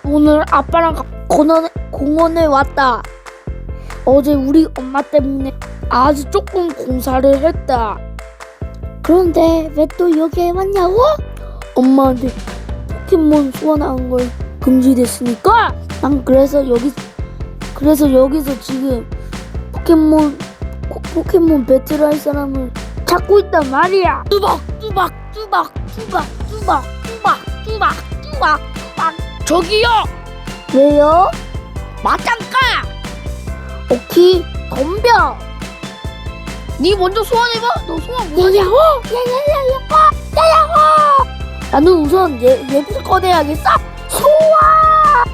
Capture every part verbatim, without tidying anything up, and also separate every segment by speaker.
Speaker 1: 오늘 아빠랑 공원에, 공원에 왔다. 어제 우리 엄마 때문에 아주 조금 공사를 했다. 그런데 왜 또 여기에 왔냐고? 엄마한테 포켓몬 소환하는 걸 금지됐으니까 난 그래서 여기 그래서 여기서 지금 포켓몬 포, 포켓몬 배틀할 사람을 찾고 있단 말이야. 뚜박 뚜박 뚜박 뚜박 뚜박 뚜박 뚜박 뚜박 뚜박. 저기요. 왜요? 맞짱까. 오키 덤벼. 니 먼저 소환해봐. 너 소환 못하냐? 야야호 야야야야 야야호. 나는 우선 얘 얘부터 꺼내야겠어. 소환.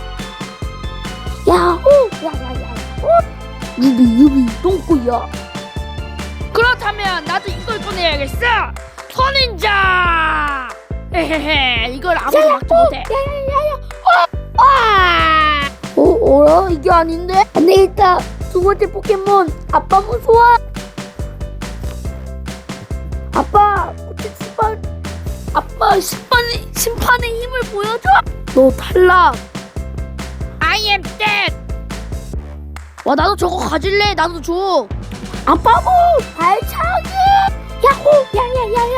Speaker 1: 야호 야야야. 유비 유비 똥꼬야. 그렇다면 나도 이걸 꺼내야겠어. 선인자. 헤헤헤. 이걸 아무도 막지 못해. 야야야야. 와. 어, 어라? 이게 아닌데? 안 되겠다. 두 번째 포켓몬 아빠 한번 소환. 아빠, 심판, 아빠 심판의 심판의 힘을 보여줘. 너 탈락. I am dead. 와, 나도 저거 가질래. 나도 줘. 아빠 뭐 발차기. 야호, 야야야야.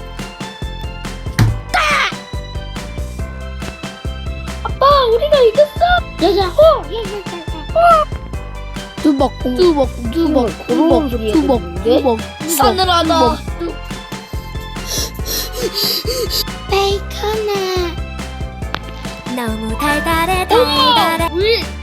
Speaker 1: 따. 아빠, 우리가 이겼어. 야야호, 야야야야. 뚜벅, 뚜벅, 뚜벅, 뚜벅, 뚜벅, 뚜벅. 싸늘하다.
Speaker 2: 베이컨아 너무 달달해 달달해
Speaker 1: 왜?